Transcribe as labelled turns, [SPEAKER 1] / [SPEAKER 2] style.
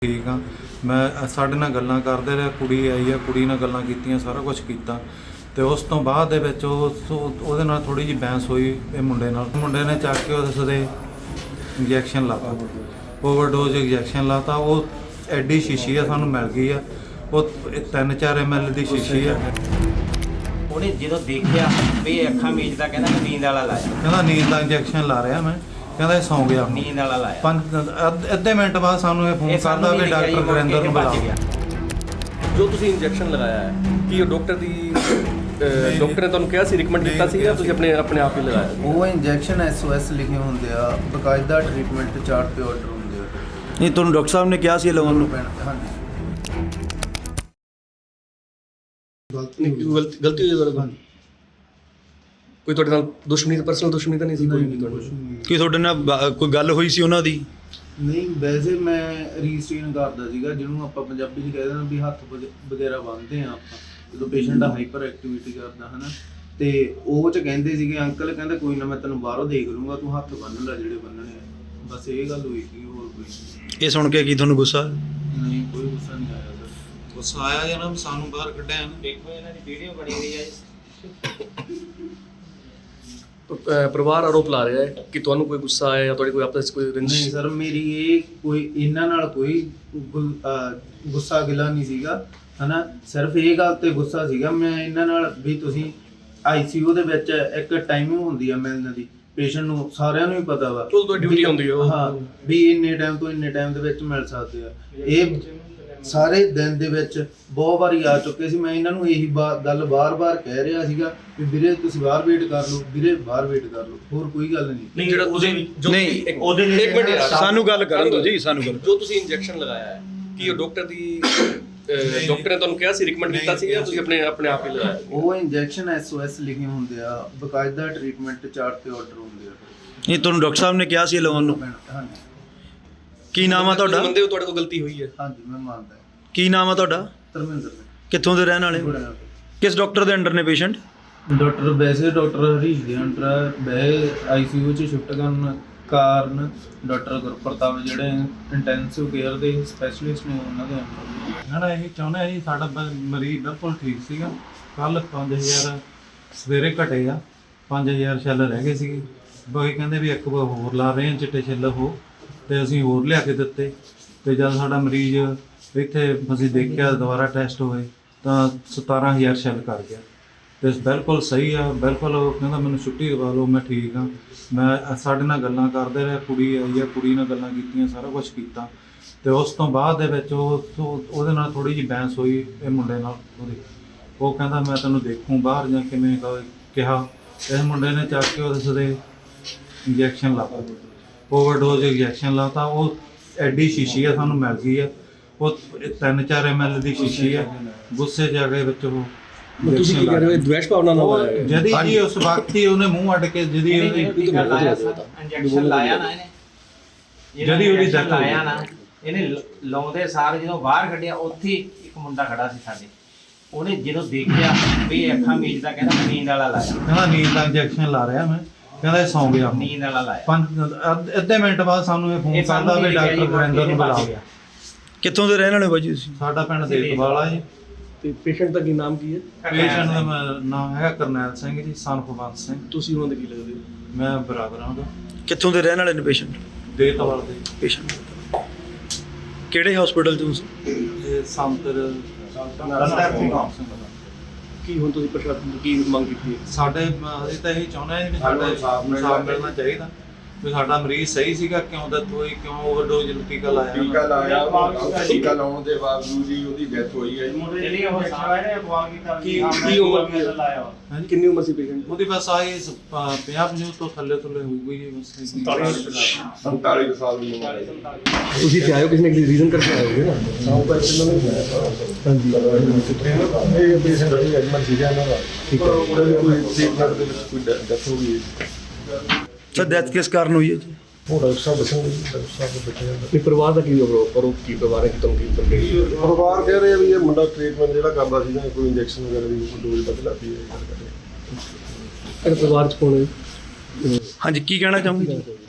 [SPEAKER 1] ठीक हाँ मैं साढ़े नाल गल्लां करदे रहे, कुड़ी आई है, कुड़ी नाल गल्लां कीतियां, सारा कुछ कीता ते उस तो बाद दे विच ਉਹਦੇ ਨਾਲ थोड़ी जी बहस हुई ਇਹ ਮੁੰਡੇ ਨਾਲ। ਮੁੰਡੇ ने ਚੱਕ के ਉਸ ਦੇ इंजैक्शन लाता, ओवरडोज इंजैक्शन लाता। वो एडी शीशी है सानू मिल गई है, वो 3-4 ml ਦੀ शीशी है।
[SPEAKER 2] ਉਹਨੇ ਜਦੋਂ ਦੇਖਿਆ ਵੀ ਇਹ ਅੱਖਾਂ ਮੀਚਦਾ ਕਹਿੰਦਾ ਮੈਂ ਨੀਂਦ ਵਾਲਾ ਲਾਇਆ,
[SPEAKER 1] ਕਹਿੰਦਾ ਨੀਂਦ ਦਾ ਇੰਜੈਕਸ਼ਨ ਲਾ ਰਿਹਾ ਮੈਂ, ਕਹਿੰਦਾ ਇਹ ਸੌਂ ਗਿਆ।
[SPEAKER 2] ਨੀਂਦ ਵਾਲਾ ਲਾਇਆ।
[SPEAKER 1] ਅੱਧੇ ਮਿੰਟ ਬਾਅਦ ਸਾਨੂੰ ਇਹ ਫੋਨ ਕਰਦਾ ਵੀ ਡਾਕਟਰ ਗੁਰਿੰਦਰ ਨੂੰ ਬੁਲਾਓ।
[SPEAKER 3] ਜੋ ਤੁਸੀਂ ਇੰਜੈਕਸ਼ਨ ਲਗਾਇਆ ਹੈ ਕੀ ਉਹ ਡਾਕਟਰ ਦੀ ਡਾਕਟਰ ਨੇ ਤੁਹਾਨੂੰ ਕਿਹਾ ਸੀ, ਰਿਕਮੈਂਡ ਕੀਤਾ ਸੀ ਜਾਂ ਤੁਸੀਂ ਆਪਣੇ ਆਪ ਹੀ ਲਗਾਇਆ?
[SPEAKER 4] ਉਹ ਇੰਜੈਕਸ਼ਨ SOS ਲਿਖੇ ਹੁੰਦੇ ਆ, ਬਕਾਇਦਾ ਟ੍ਰੀਟਮੈਂਟ ਚਾਰਟ ਤੇ ਆਰਡਰ ਹੁੰਦੇ ਆ।
[SPEAKER 5] ਨਹੀਂ ਤੁਹਾਨੂੰ ਡਾਕਟਰ ਸਾਹਿਬ ਨੇ ਕਿਹਾ ਸੀ ਲਗਾਉਣ ਨੂੰ?
[SPEAKER 4] ਹਾਂਜੀ
[SPEAKER 3] ਗਲਤੀ ਹੋਈ ਤੁਹਾਡੇ ਨਾਲ? ਕੋਈ ਤੁਹਾਡੇ ਨਾਲ ਦੁਸ਼ਮਣੀ, ਪਰਸਨਲ ਦੁਸ਼ਮਣੀ ਤਾਂ ਨਹੀਂ ਸੀ ਕੋਈ ਵੀ ਤੁਹਾਡੇ?
[SPEAKER 5] ਕੀ ਤੁਹਾਡੇ ਨਾਲ ਕੋਈ ਗੱਲ ਹੋਈ ਸੀ ਉਹਨਾਂ ਦੀ?
[SPEAKER 4] ਨਹੀਂ, ਵੈਸੇ ਮੈਂ ਰੀਸਟ੍ਰੇਨ ਕਰਦਾ ਸੀਗਾ, ਜਿਹਨੂੰ ਆਪਾਂ ਪੰਜਾਬੀ 'ਚ ਕਹਿ ਦਿੰਦੇ ਵੀ ਹੱਥ ਵਗੈਰਾ ਬੰਨ੍ਹਦੇ ਆ ਆਪਾਂ ਜਦੋਂ ਪੇਸ਼ੈਂਟ ਦਾ ਹਾਈਪਰ ਐਕਟੀਵਿਟੀ ਕਰਦਾ ਹੈ ਨਾ। ਤੇ ਉਹ 'ਚ ਕਹਿੰਦੇ ਸੀਗੇ ਅੰਕਲ ਕਹਿੰਦੇ ਕੋਈ ਨਾ ਮੈਂ ਤੈਨੂੰ ਬਾਹਰੋਂ ਦੇਖ ਲੂੰਗਾ, ਤੂੰ ਹੱਥ ਬੰਨ੍ਹ ਲੈ ਜਿਹੜੇ ਬੰਨਣੇ ਆ। ਬਸ ਇਹ ਗੱਲ ਹੋਈ ਸੀ, ਹੋਰ ਕੋਈ।
[SPEAKER 5] ਇਹ ਸੁਣ ਕੇ ਕੀ ਤੁਹਾਨੂੰ ਗੁੱਸਾ?
[SPEAKER 4] ਨਹੀਂ, ਕੋਈ ਗੁੱਸਾ ਨਹੀਂ ਆਇਆ ਸਰ।
[SPEAKER 1] ਗੁੱਸਾ ਆਇਆ ਜਨਾਬ, ਸਾਨੂੰ ਬਾਹਰ ਕੱਢਿਆ ਨਾ।
[SPEAKER 2] ਦੇਖੋ ਇਹਨਾਂ ਦੀ ਵੀਡੀਓ ਬਣੀ ਹੋਈ ਹੈ।
[SPEAKER 3] ਪਰਿਵਾਰ ਆਰੋਪ ਲਾ ਰਿਹਾ ਹੈ ਕਿ ਤੁਹਾਨੂੰ ਕੋਈ ਗੁੱਸਾ ਆਇਆ ਜਾਂ ਤੁਹਾਡੇ ਕੋਈ ਆਪਸ ਵਿੱਚ ਕੋਈ
[SPEAKER 4] ਨਹੀਂ
[SPEAKER 3] ਰੰਜਿਸ਼?
[SPEAKER 4] ਸਰ, ਮੇਰੀ ਇਹ ਕੋਈ ਇਹਨਾਂ ਨਾਲ ਕੋਈ ਗੁੱਸਾ ਗਿਲਾ ਨਹੀਂ ਸੀਗਾ ਹਨਾ। ਸਿਰਫ ਇਹ ਗੱਲ ਤੇ ਗੁੱਸਾ ਸੀਗਾ ਮੈਂ ਇਹਨਾਂ ਨਾਲ ਵੀ ਤੁਸੀਂ ICU ਦੇ ਵਿੱਚ ਇੱਕ ਟਾਈਮਿੰਗ ਹੁੰਦੀ ਆ ਮਿਲਣ ਦੀ ਪੇਸ਼ੈਂਟ ਨੂੰ, ਸਾਰਿਆਂ ਨੂੰ ਹੀ ਪਤਾ ਵਾ।
[SPEAKER 3] ਚਲੋ ਤੁਹਾਡੀ ਡਿਊਟੀ ਹੁੰਦੀ ਹੈ।
[SPEAKER 4] ਹਾਂ, ਵੀ ਇੰਨੇ ਟਾਈਮ ਤੋਂ ਇੰਨੇ ਟਾਈਮ ਦੇ ਵਿੱਚ ਮਿਲ ਸਕਦੇ ਆ। ਇਹ ਸਾਰੇ ਦਿਨ ਦੇ ਵਿੱਚ ਬਹੁਤ ਵਾਰੀ ਆ ਚੁੱਕੇ ਸੀ। ਮੈਂ ਇਹਨਾਂ ਨੂੰ ਇਹੀ ਗੱਲ ਬਾਰ-ਬਾਰ ਕਹਿ ਰਿਹਾ ਸੀਗਾ ਵੀ ਵੀਰੇ ਤੁਸੀਂ ਬਾਹਰ ਵੇਟ ਕਰ ਲਓ, ਵੀਰੇ ਬਾਹਰ ਵੇਟ ਕਰ ਲਓ, ਹੋਰ ਕੋਈ ਗੱਲ ਨਹੀਂ।
[SPEAKER 3] ਨਹੀਂ ਜਿਹੜਾ ਤੁਸੀਂ
[SPEAKER 5] ਨਹੀਂ,
[SPEAKER 3] ਉਹਦੇ ਲਈ ਇੱਕ ਮਿੰਟ ਯਾਰ,
[SPEAKER 5] ਸਾਨੂੰ ਗੱਲ ਕਰਨ ਦਿਓ ਜੀ, ਸਾਨੂੰ ਗੱਲ।
[SPEAKER 3] ਜੋ ਤੁਸੀਂ ਇੰਜੈਕਸ਼ਨ ਲਗਾਇਆ ਹੈ ਕੀ ਉਹ ਡਾਕਟਰ ਦੀ ਡਾਕਟਰ ਨੇ ਤੁਹਾਨੂੰ ਕਿਹਾ ਸੀ, ਰਿਕਮੈਂਡ ਕੀਤਾ ਸੀ ਜਾਂ ਤੁਸੀਂ ਆਪਣੇ ਆਪ ਹੀ ਲਗਾਇਆ?
[SPEAKER 4] ਉਹ ਇੰਜੈਕਸ਼ਨ SOS ਲਿਖੇ ਹੁੰਦੇ ਆ, ਬਕਾਇਦਾ ਟ੍ਰੀਟਮੈਂਟ ਚਾਰਟ ਤੇ ਆਰਡਰ ਹੁੰਦੇ ਆ।
[SPEAKER 5] ਨਹੀਂ ਤੁਹਾਨੂੰ ਡਾਕਟਰ ਸਾਹਿਬ ਨੇ ਕਿਹਾ ਸੀ ਲਗਾਉਣ ਨੂੰ?
[SPEAKER 4] ਹਾਂਜੀ
[SPEAKER 5] ਕੀ ਨਾਮ ਆ ਤੁਹਾਡਾ?
[SPEAKER 3] ਮੰਨਦੇ ਹੋ ਤੁਹਾਡੇ ਕੋਲ ਗਲਤੀ ਹੋਈ ਹੈ?
[SPEAKER 4] ਹਾਂਜੀ, ਮੈਂ ਮੰਨਦਾ।
[SPEAKER 5] ਕੀ ਨਾਮ ਆ ਤੁਹਾਡਾ?
[SPEAKER 4] ਧਰਮਿੰਦਰ ਸਿੰਘ।
[SPEAKER 5] ਕਿੱਥੋਂ ਦੇ ਰਹਿਣ ਵਾਲੇ? ਕਿਸ ਡਾਕਟਰ ਦੇ ਅੰਡਰ ਨੇ ਪੇਸ਼ੈਂਟ?
[SPEAKER 4] ਡਾਕਟਰ ਵੈਸੇ ਡਾਕਟਰ ਹਰੀਸ਼ ਦੇ ਅੰਡਰ ਬਹਿ ICU 'ਚ ਸ਼ਿਫਟ ਕਰਨ ਕਾਰਨ ਡਾਕਟਰ ਗੁਰਪ੍ਰਤਾਪ ਜਿਹੜੇ ਇੰਟੈਂਸਿਵ ਕੇਅਰ ਦੇ ਸਪੈਸ਼ਲਿਸਟ ਨੇ ਉਹਨਾਂ ਦੇ ਅੰਡਰ।
[SPEAKER 1] ਨਾ ਇਹ ਚਾਹੁੰਦੇ ਆ ਜੀ, ਸਾਡਾ ਮਰੀਜ਼ ਬਿਲਕੁਲ ਠੀਕ ਸੀਗਾ। ਕੱਲ 5000 ਸਵੇਰੇ ਘਟੇ ਆ, 5000 ਛੱਲ ਰਹਿ ਗਏ ਸੀਗੇ। ਬਾਕੀ ਕਹਿੰਦੇ ਵੀ ਇੱਕ ਵਾਰ ਹੋਰ ਲਾ ਰਹੇ ਆ ਚਿੱਟੇ ਛੱਲ ਉਹ, ਤੇ ਅਸੀਂ ਹੋਰ ਲਿਆ ਕੇ ਦਿੱਤੇ। ਤੇ ਜਦ ਸਾਡਾ ਮਰੀਜ਼ ਇੱਥੇ ਅਸੀਂ ਦੇਖਿਆ ਦੁਬਾਰਾ ਟੈਸਟ ਹੋਏ ਤਾਂ 17000 ਛੱਲ ਕਰ ਗਿਆ ਤੇ ਬਿਲਕੁਲ ਸਹੀ ਆ। ਬਿਲਕੁਲ ਉਹ ਕਹਿੰਦਾ ਮੈਨੂੰ ਛੁੱਟੀ ਦਵਾ ਲਓ, ਮੈਂ ਠੀਕ ਆ। ਮੈਂ ਸਾਡੇ ਨਾਲ ਗੱਲਾਂ ਕਰਦੇ ਰਹੇ, ਕੁੜੀ ਆਈ ਆ, ਕੁੜੀ ਨਾਲ ਗੱਲਾਂ ਕੀਤੀਆਂ, ਸਾਰਾ ਕੁਝ ਕੀਤਾ। ਤੇ ਉਸ ਤੋਂ ਬਾਅਦ ਦੇ ਵਿੱਚ ਉਹਦੇ ਨਾਲ ਥੋੜੀ ਜੀ ਬਹਿਸ ਹੋਈ ਇਹ ਮੁੰਡੇ ਨਾਲ ਉਹਦੀ। ਉਹ ਕਹਿੰਦਾ ਮੈਂ ਤੈਨੂੰ ਦੇਖੂੰ ਬਾਹਰ ਜਾਂ ਕਿਵੇਂ ਕਿਹਾ। ਇਸ ਮੁੰਡੇ ਨੇ ਚੱਕ ਕੇ ਉਸ ਦੇ ਇੰਜੈਕਸ਼ਨ ਲਾਤਾ, ओवरडोज इंजैक्शन लाता। वो एडी शीशी है सानू मिल गई है, वो 3-4 ml ਦੀ शीशी है। गुस्से च आ गए ਵਿੱਚ ਉਹ
[SPEAKER 3] ਤੁਸੀਂ ਕੀ ਕਹਿ ਰਹੇ ਹੋ? ਦਵੇਸ਼ ਭਾਵਨਾ ਨਾਲ ਆਇਆ
[SPEAKER 1] ਜਦੀ ਜੀ ਉਸ ਵਕਤ ਹੀ ਉਹਨੇ ਮੂੰਹ ਅੱਡ ਕੇ ਜਦੀ
[SPEAKER 2] ਇੰਜੈਕਸ਼ਨ ਲਾਇਆ ਨਾ ਇਹਨੇ,
[SPEAKER 1] ਜਦੀ ਉਹਦੀ death
[SPEAKER 2] ਲਾਇਆ ਨਾ ਇਹਨੇ ਲਾਉਂਦੇ ਸਾਰ ਜਦੋਂ ਬਾਹਰ ਕੱਢਿਆ ਉੱਥੇ ਇੱਕ ਮੁੰਡਾ ਖੜਾ ਸੀ ਸਾਡੇ। ਉਹਨੇ ਜਦੋਂ ਦੇਖਿਆ ਵੀ ਇਹ ਅੱਖਾਂ ਮੀਚਦਾ ਕਹਿੰਦਾ ਮੈਂ ਨੀਂਦ ਵਾਲਾ ਲਾਇਆ,
[SPEAKER 1] ਕਹਿੰਦਾ ਨੀਂਦ ਦਾ ਇੰਜੈਕਸ਼ਨ ਲਾ ਰਿਹਾ ਮੈਂ, ਕਹਿੰਦਾ ਇਹ ਸੌਂ ਗਿਆ।
[SPEAKER 2] ਨੀਂਦ ਵਾਲਾ ਲਾਇਆ।
[SPEAKER 1] ਅੱਧੇ ਮਿੰਟ ਬਾਅਦ ਸਾਨੂੰ ਇਹ ਫੋਨ ਕਰਦਾ ਵੀ ਡਾਕਟਰ ਗੁਰਿੰਦਰ ਨੂੰ ਬੁਲਾਓ।
[SPEAKER 5] ਕਿੱਥੋਂ ਦੇ ਰਹਿਣ ਵਾਲੇ ਬਾਜੀ ਤੁਸੀਂ?
[SPEAKER 1] ਸਾਡਾ ਪਿੰਡ ਦੇਖਵਾਲਾ ਜੀ।
[SPEAKER 3] ਤੇ ਪੇਸ਼ੈਂਟ ਦਾ ਕੀ ਨਾਮ ਕੀ ਹੈ?
[SPEAKER 1] ਪੇਸ਼ੈਂਟ ਦਾ ਨਾਮ ਹੈਗਾ ਕਰਨੈਲ ਸਿੰਘ ਜੀ, ਸਨ ਭਗਵੰਤ ਸਿੰਘ।
[SPEAKER 3] ਤੁਸੀਂ ਉਹਨਾਂ ਦੇ ਕੀ ਲੱਗਦੇ ਹੋ?
[SPEAKER 1] ਮੈਂ ਬਰਾਬਰ ਹਾਂ।
[SPEAKER 5] ਕਿੱਥੋਂ ਦੇ ਰਹਿਣ ਵਾਲੇ ਨੇ ਪੇਸ਼ੈਂਟ?
[SPEAKER 1] ਦੇਤਵਾਲ ਦੇ
[SPEAKER 5] ਪੇਸ਼ੈਂਟ ਕਿਹੜੇ ਹਸਪੀਟਲ 'ਚ ਤੁਸੀਂ?
[SPEAKER 1] ਇਹ ਸੰਤਰ
[SPEAKER 3] ਕੀ ਹੁਣ ਤੁਸੀਂ ਪ੍ਰਸ਼ਾਸਨ ਤੋਂ ਕੀ ਮੰਗ ਕੀਤੀ ਹੈ?
[SPEAKER 1] ਸਾਡੇ ਅਸੀਂ ਤਾਂ ਇਹੀ ਚਾਹੁੰਦੇ ਹਾਂ ਵੀ ਸਾਡਾ ਇਨਸਾਫ ਮਿਲਣਾ ਚਾਹੀਦਾ ਵੀ ਸਾਡਾ ਮਰੀਜ਼ ਸਹੀ ਸੀਗਾ, ਕਿਉਂ ਡੈਥ ਹੋਈ, ਕਿਉਂ ਓਵਰਡੋਜ਼ ਟੀਕਾ ਲਾਇਆ।
[SPEAKER 6] ਟੀਕਾ ਲਾਉਣ ਦੇ ਬਾਵਜੂਦ ਹੀ ਉਹਦੀ ਡੈਥ ਹੋਈ ਹੈ।
[SPEAKER 2] ਜਿਹੜੀ ਉਹ ਸਾਰੇ ਨੇ ਅਗਵਾ ਕੀਤਾ
[SPEAKER 3] ਕੀ ਉਮਰ ਕੀ ਹੈ? ਕਿੰਨੀ ਉਮਰ ਸੀ ਪੇਸ਼ੈਂਟ?
[SPEAKER 1] ਉਹਦੀ ਬਸ ਆਹੀ 50 ਤੋਂ ਥੱਲੇ ਹੋਊਗੀ ਜੀ ਬਸ।
[SPEAKER 6] 47 ਸਾਲ ਦੀ ਉਮਰ ਹੈ।
[SPEAKER 3] ਤੁਸੀਂ ਤੇ ਆਇਓ ਕਿਸੇ ਨੇ ਰੀਜ਼ਨ ਕਰਕੇ ਆਏ ਹੋਗੇ ਨਾ? ਹਾਂਜੀ,
[SPEAKER 6] ਇਹ ਪੇਸ਼ੈਂਟ ਦੀ ਐਡਮਿਟ ਸੀਗਾ ਇਹਨਾਂ ਦਾ। ਠੀਕ ਹੈ, ਉਹਦੇ ਲਈ ਕੋਈ ਟ੍ਰੀਟਮੈਂਟ ਦੇ ਵਿੱਚ ਕੋਈ ਡੈਥ ਹੋ ਗਈ ਹੈ।
[SPEAKER 5] ਸਰ ਡੈਥ ਕਿਸ ਕਾਰਨ ਹੋਈ ਹੈ ਜੀ?
[SPEAKER 6] ਉਹ ਡਾਕਟਰ ਸਾਹਿਬ ਦੱਸਣਗੇ ਜੀ, ਡਾਕਟਰ ਸਾਹਿਬ ਦੇ ਬੱਚੇ ਦਾ।
[SPEAKER 3] ਤੇ ਪਰਿਵਾਰ ਦਾ ਕੀ ਆਰੋਪ ਕੀ ਪਰਿਵਾਰ ਹੈ ਕਿ ਤੁਹਾਨੂੰ ਕੀ ਕਰਦੇ?
[SPEAKER 6] ਪਰਿਵਾਰ ਕਹਿ ਰਹੇ ਆ ਵੀ ਇਹ ਮੁੰਡਾ ਟ੍ਰੀਟਮੈਂਟ ਜਿਹੜਾ ਕਰਦਾ ਸੀ ਜਾਂ ਕੋਈ ਇੰਜੈਕਸ਼ਨ ਵਗੈਰਾ ਦੀ ਡੋਜ਼ ਬਦਲਾ ਪਈ ਹੈ।
[SPEAKER 3] ਪਰਿਵਾਰ ਚ ਕੋਣ ਹੈ?
[SPEAKER 5] ਹਾਂਜੀ, ਕੀ ਕਹਿਣਾ ਚਾਹੋਗੇ?